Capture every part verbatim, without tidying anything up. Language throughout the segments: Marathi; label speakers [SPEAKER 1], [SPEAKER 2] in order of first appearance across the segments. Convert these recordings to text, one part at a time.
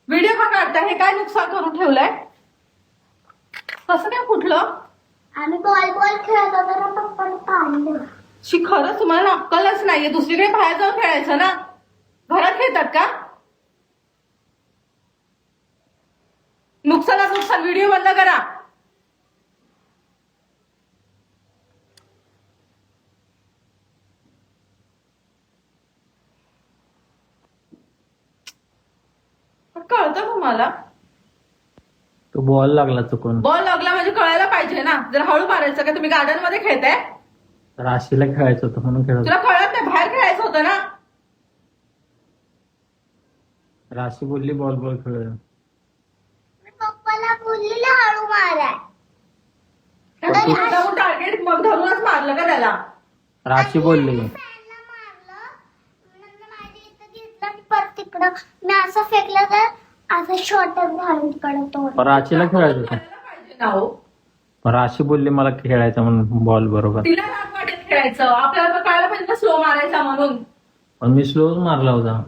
[SPEAKER 1] व्हिडिओ का काढता? हे काय नुकसान करून ठेवलंय? कसं काय फुटलं?
[SPEAKER 2] आम्ही बॉल बॉल खेळत होतो ना, पप्पाने पाडलं.
[SPEAKER 1] शी, खरंच तुम्हाला अक्कलच नाहीये. दुसरीकडे बाहेर जाऊन खेळायचं ना, घरात खेळतात का? नुकसानाच नुकसान. व्हिडिओ बंद करा. कळतं तुम्हाला?
[SPEAKER 3] तो बॉल लागला चुकून.
[SPEAKER 1] बॉल लागला म्हणजे कळायला पाहिजे ना. जर हळू मारायचं का? तुम्ही गार्डन मध्ये खेळताय?
[SPEAKER 3] राशीला खेळायचं होतं म्हणून खेळत
[SPEAKER 1] तुला कळत नाही? बाहेर खेळायचं होतं ना.
[SPEAKER 3] राशी बोलली बॉल बॉल खेळ.
[SPEAKER 2] मी पप्पाला बोललेलं हळू माराय.
[SPEAKER 1] टार्गेट मग धरूनच मारलं का त्याला?
[SPEAKER 3] राशी बोलली.
[SPEAKER 2] फॅनला मारलं, नंतर माझ्या इथं घेतलं आणि परत तिकडं मी असं फेकलं तर असं शॉर्टच घालून तिकडं तोड.
[SPEAKER 3] पण राशीला खेळायचं होतं.
[SPEAKER 1] कळायला पाहिजे ना हो.
[SPEAKER 3] पण राशी बोलली मला खेळायचं म्हणून बॉल बरोबर.
[SPEAKER 1] तिला राग वाटेल खेळायचं, आपल्याला पण कळायला पाहिजे ना स्लो मारायचा म्हणून.
[SPEAKER 3] पण मी स्लोच मारला होता.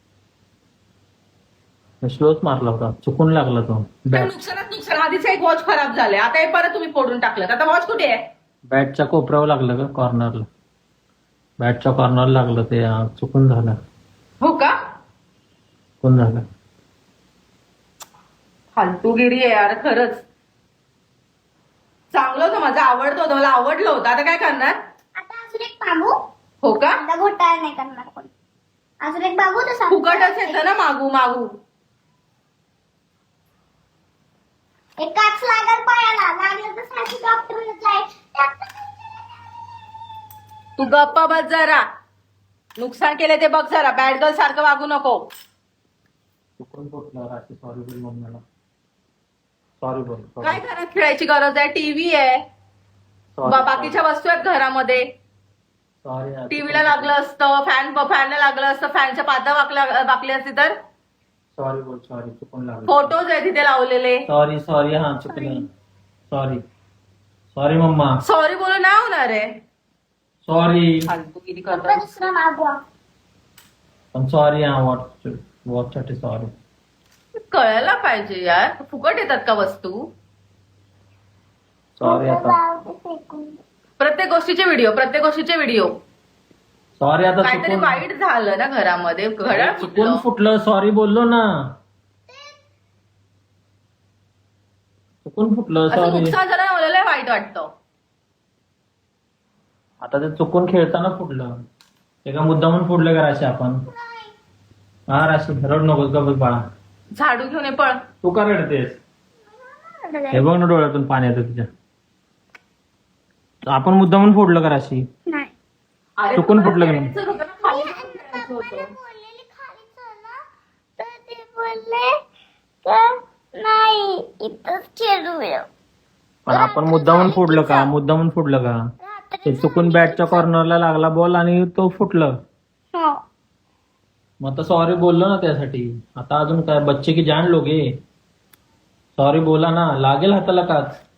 [SPEAKER 3] मी स्लोच मारला होता, चुकून लागला तो.
[SPEAKER 1] काय
[SPEAKER 3] बॅट
[SPEAKER 1] नुकसानात नुकसान. आधीच एक वॉच खराब झाले, आता हे परत तुम्ही फोडून टाकलं. आता वॉच कुठे आहे?
[SPEAKER 3] बॅटच्या कोपऱ्यावर लागलं का कॉर्नरला? बॅटच्या कॉर्नरला लागलं ते, हा, चुकून झालं.
[SPEAKER 1] हो का?
[SPEAKER 3] चुकून झालं.
[SPEAKER 1] फालतूगिरी आहे यार खरंच. चांगलं होतं, माझं आवडतं होतं, मला आवडलं होतं. आता काय करणार?
[SPEAKER 2] आता अजून एक बाबू.
[SPEAKER 1] हो का?
[SPEAKER 2] आता घोटाळा नाही करणार कोण. अजून एक बाबू तर सांग.
[SPEAKER 1] फुकटच येतं ना मागू मागू.
[SPEAKER 2] एक काच लागल पायाला, लागलं तर सासू डॉक्टरला जाय.
[SPEAKER 1] तू गप्पा बस जरा. नुकसान केले ते बघ जरा. बॅड गर्ल सारखं वागू नको.
[SPEAKER 3] चुकून फुटलं. राशी सॉरी बोल मम्मीला. सॉरी बोल.
[SPEAKER 1] काय घरात खेळायची गरज आहे? टीव्ही आहे, बा- बाकीच्या वस्तू आहेत घरामध्ये.
[SPEAKER 3] सॉरी.
[SPEAKER 1] टीव्हीला लागलं असतं, फॅन फॅनला लागलं असतं, फॅनच्या पाता वाकल्या वाकली असती तर.
[SPEAKER 3] सॉरी बोल. सॉरी, चुकून लागलं.
[SPEAKER 1] फोटोज आहे तिथे लावलेले.
[SPEAKER 3] Sorry sorry. हा, चुकलं. Sorry sorry mamma.
[SPEAKER 1] सॉरी बोलून नाही होणार आहे.
[SPEAKER 3] सॉरी.
[SPEAKER 1] फालतूगिरी
[SPEAKER 2] पप्पा
[SPEAKER 1] करतात.
[SPEAKER 2] दुसरा मागवा.
[SPEAKER 3] पण सॉरी. हा, वॉच वॉच साठी सॉरी.
[SPEAKER 1] कळायला पाहिजे यार. फुकट येतात का वस्तू?
[SPEAKER 3] सॉरी आता.
[SPEAKER 2] जाऊ दे फेकून.
[SPEAKER 1] प्रत्येक गोष्टीचे व्हिडिओ, प्रत्येक गोष्टीचे व्हिडिओ.
[SPEAKER 3] सॉरी आता.
[SPEAKER 1] काहीतरी
[SPEAKER 3] चुकून
[SPEAKER 1] वाईट झालं ना घरामध्ये. घड्याळ
[SPEAKER 3] चुकून
[SPEAKER 1] फुटलं.
[SPEAKER 3] फुटलं. सॉरी बोललो ना. चुकून फुटलं.
[SPEAKER 1] असं
[SPEAKER 3] सॉरी.
[SPEAKER 1] नुकसान झालं मला लय वाईट वाटतं.
[SPEAKER 3] आता ते चुकून खेळताना फुटलं. ते का मुद्दा म्हणून फुटलं का राशी आपण? हा राशी, रड नकोस का बस बाळा.
[SPEAKER 1] झाडू घेऊन ये पळ.
[SPEAKER 3] तू का रडतेस? हे बघ ना डोळ्यातून पाणी येतं तुझ्या. आपण मुद्दा म्हणून फोडलं का राशी?
[SPEAKER 2] नाही.
[SPEAKER 1] अरे
[SPEAKER 3] चुकून
[SPEAKER 1] तुम्हाला
[SPEAKER 3] फुटलं का नाही?
[SPEAKER 1] खेळायचं होतं ना, खाली जाऊन खेळायचं होतं.
[SPEAKER 2] पप्पाने बोललेली खाली चला, तर ते बोलले का नाही इथंच खेळूया.
[SPEAKER 3] पण आपण मुद्दा म्हणून फोडलं का? मुद्दा म्हणून फोडलं का? ते चुकून बॅटच्या कॉर्नरला लागला बॉल आणि तो फुटलं.
[SPEAKER 2] हो.
[SPEAKER 3] मग आता सॉरी बोललो ना त्यासाठी. आता अजून काय, बच्चे की जान लोगे. सॉरी बोला ना, लागेल हाताला काच.